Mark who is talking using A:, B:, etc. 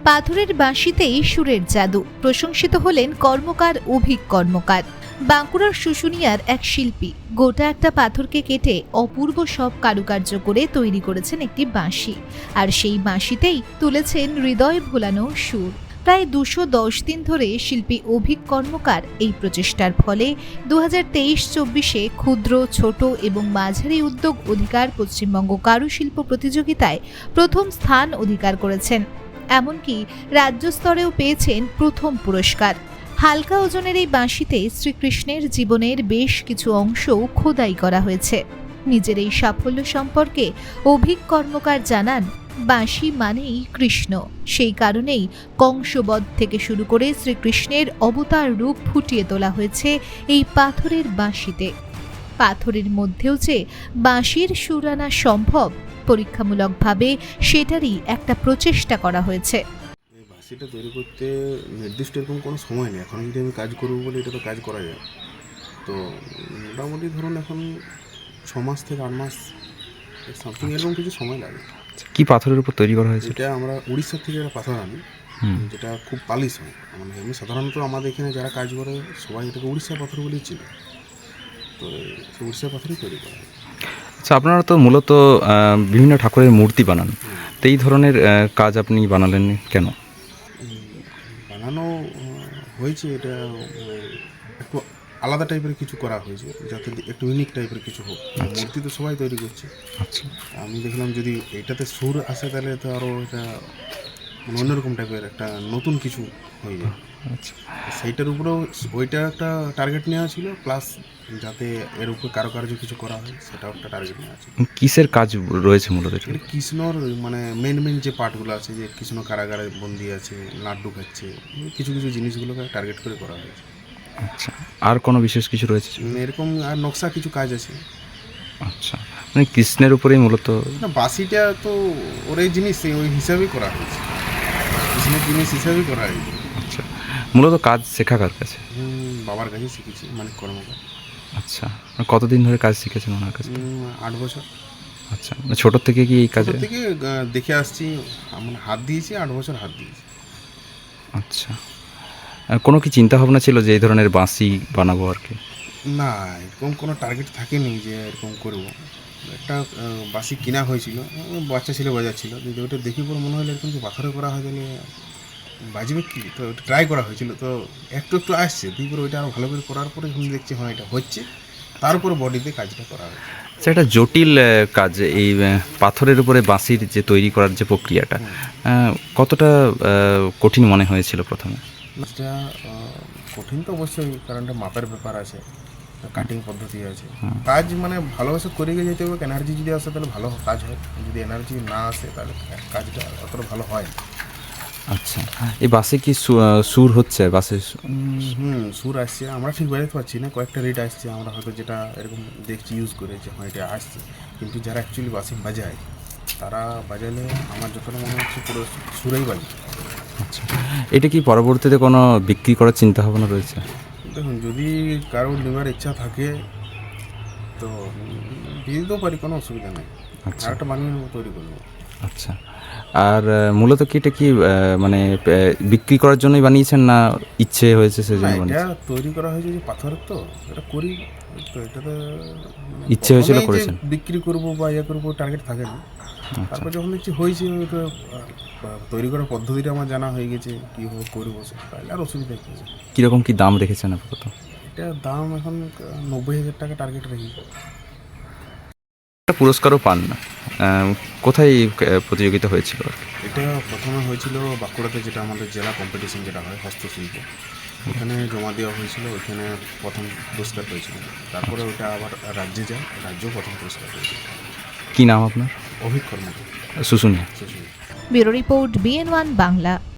A: পাথরের বাঁশিতেই সুরের জাদু, প্রশংসিত হলেন কর্মকার অভিক কর্মকার। বাঁকুড়ার শুশুনিয়ার এক শিল্পী গোটা একটা পাথরকে কেটে অপূর্ব সব কারুকার্য করে তৈরি করেছেন একটি বাঁশি, আর সেই বাঁশিতেই তুলেছেন হৃদয় ভোলানো সুর। প্রায় 210 দিন ধরে শিল্পী অভিক কর্মকার এই প্রচেষ্টার ফলে 2023-24 ক্ষুদ্র, ছোট এবং মাঝারি উদ্যোগ অধিকার পশ্চিমবঙ্গ কারুশিল্প প্রতিযোগিতায় প্রথম স্থান অধিকার করেছেন। এমনকি রাজ্য স্তরেও পেয়েছেন প্রথম পুরস্কার। হালকা ওজনের এই বাঁশিতে শ্রীকৃষ্ণের জীবনের বেশ কিছু অংশ খোদাই করা হয়েছে। নিজের এই সাফল্য সম্পর্কে অভিক কর্মকার জানান, বাঁশি মানেই কৃষ্ণ, সেই কারণেই কংসবধ থেকে শুরু করে শ্রীকৃষ্ণের অবতার রূপ ফুটিয়ে তোলা হয়েছে এই পাথরের বাঁশিতে। পাথরের মধ্যেও যে বাঁশির সুর আনা সম্ভব, পরীক্ষামূলকভাবে সেটারই একটা প্রচেষ্টা করা হয়েছে।
B: এই বাঁশিটা তৈরি করতে নির্দিষ্ট এরকম কোনো সময় নেই। এখন যদি আমি কাজ করবো বলে এটা তো কাজ করা যায়। তো মোটামুটি ধরুন এখন 6 মাস থেকে 8 মাস সামথিং এরকম কিছু সময় লাগে।
C: কি পাথরের উপর তৈরি করা হয়েছে?
B: এটা আমরা উড়িষ্যা থেকে একটা পাথর আনি, যেটা খুব পালিশ হয়। মানে এমনি সাধারণত আমাদের এখানে যারা কাজ করে সবাই এটাকে উড়িষ্যা পাথর বলেই চিনে। তো উড়িষ্যা পাথরই তৈরি করা হয়।
C: আচ্ছা, আপনারা তো মূলত বিভিন্ন ঠাকুরের মূর্তি বানান, তো এই ধরনের কাজ আপনি বানালেন কেন?
B: বানানো হয়েছে, এটা একটু আলাদা টাইপের কিছু করা হয়েছে, যাতে একটু ইউনিক টাইপের কিছু হোক। মূর্তি তো সবাই তৈরি করছে।
C: আচ্ছা,
B: আমি দেখলাম যদি এটাতে সুর আসে তাহলে তো আরও এটা মানে অন্যরকম টাইপের একটা নতুন কিছু হয়ে যায়।
C: আচ্ছা,
B: সেইটার উপরেও ওইটা একটা টার্গেট নেওয়া ছিল, প্লাস যাতে এর উপরে কারুকার্য কিছু করা হয় সেটাও একটা টার্গেট নেওয়া ছিল।
C: কিসের কাজ রয়েছে মূলত?
B: এটা কৃষ্ণর মানে মেন যে পার্টগুলো আছে, যে কৃষ্ণ কারাগারে বন্দি আছে, লাড্ডু খাচ্ছে, কিছু কিছু জিনিসগুলোকে টার্গেট করে করা হয়েছে।
C: আচ্ছা, আর কোনো বিশেষ কিছু রয়েছে?
B: এরকম আর নকশা কিছু কাজ আছে।
C: আচ্ছা, মানে কৃষ্ণের উপরেই মূলত?
B: না, বাঁশিটা তো ওর এই জিনিস ওই হিসাবেই করা হয়েছে, কৃষ্ণের জিনিস হিসাবেই করা হয়েছে।
C: আচ্ছা, মূলত কাজ শেখা কার কাছে?
B: বাবার কাছে শিখেছি, মানে কর্মকার।
C: আচ্ছা, মানে কতদিন ধরে কাজ শিখেছেন ওনার কাছে?
B: 8 বছর।
C: আচ্ছা, মানে ছোটোর থেকে কি এই কাজে?
B: ছোট থেকে দেখে আসছি, মানে হাত দিয়েছি, 8 বছর হাত দিয়েছি।
C: আচ্ছা, কোনো কি চিন্তা ভাবনা ছিল যে এই ধরনের বাঁশি বানাবো আর কি?
B: না, এরকম কোনো টার্গেট থাকেনি যে এরকম করবো। একটা বাঁশি কেনা হয়েছিল, বাচ্চা ছেলে বাজাচ্ছিল, যদি ওটা দেখি পরে মনে হলো এরকম কি পাথরে করা হয় তাহলে বাজবে কি, তো ওটা ট্রাই করা হয়েছিল। তো একটু একটু আসছে, তারপরে ওইটা আরও ভালো করে করার পরে যখন দেখছি হ্যাঁ এটা হচ্ছে, তারপরে বডিতে কাজটা করা হয়েছে।
C: আচ্ছা, একটা জটিল কাজ এই পাথরের উপরে বাঁশির যে তৈরি করার যে প্রক্রিয়াটা, কতটা কঠিন মনে হয়েছিল প্রথমে?
B: এটা কঠিন তো অবশ্যই, কারণ এটা মাপের ব্যাপার আছে, কাটিং পদ্ধতি আছে। কাজ মানে ভালোবাসে করে গিয়ে যেতে হবে। এনার্জি যদি আসে তাহলে ভালো কাজ হয়, যদি এনার্জি না আসে তাহলে কাজটা অতটা ভালো হয় না।
C: আচ্ছা, এই বাসে কি সুর হচ্ছে বাসে?
B: সুর আসছে, আমরা ঠিক বাজাতে পারছি না, কয়েকটা রেট আসছে, আমরা হয়তো যেটা এরকম দেখছি ইউজ করে যে হ্যাঁ এটা আসছে, কিন্তু যারা অ্যাকচুয়ালি বাসে বাজায় তারা বাজালে আমার যতটা মনে হচ্ছে পুরো সুরেই বাজে।
C: আচ্ছা, এটা কি পরবর্তীতে কোনো বিক্রি করার চিন্তা ভাবনা রয়েছে?
B: দেখুন, যদি কারো নেওয়ার ইচ্ছা থাকে তো দিয়ে দিতেও পারি, কোনো অসুবিধা নেই।
C: আচ্ছা,
B: আর একটা বানিয়ে নেবো, তৈরি করবো।
C: আচ্ছা, আর মূলত কি এটা কি মানে বিক্রি করার জন্যই বানিয়েছেন না ইচ্ছে হয়েছে
B: না,
C: সেজন্য
B: এটা
C: বানিয়েছেন?
B: তৈরি করা হয়েছে যে পাথরের, তো এটা করি, তো এটাতে
C: ইচ্ছে হয়েছিল
B: প্রথমেই যে
C: করেছেন?
B: বিক্রি করবো বা ইয়ে করবো টার্গেট থাকে না। তারপর যখন দেখছি হয়েছে, ওটা তৈরি করার পদ্ধতিটা আমার জানা হয়ে গেছে, কীভাবে করবো, তাহলে আর অসুবিধা কী আছে।
C: কীরকম কি দাম রেখেছেন আপাতত?
B: এটা দাম এখন 90,000 টাকা টার্গেট রাখি।
C: একটা পুরস্কারও পান না, কোথায় প্রতিযোগিতা হয়েছিল?
B: এটা প্রথমে হয়েছিল বাঁকুড়াতে, যেটা আমাদের জেলা কম্পিটিশন যেটা হয় হস্তশিল্প, ওখানে জমা দেওয়া হয়েছিল, ওইখানে প্রথম পুরস্কার পেয়েছিল। তারপরে ওইটা আবার রাজ্যে যায়, রাজ্যেও প্রথম পুরস্কার পেয়েছিল।
C: কি নাম আপনার?
B: Abhik Karmakar,
C: Susunia.
B: Sushil.
A: Bureau report, BN1 Bangla.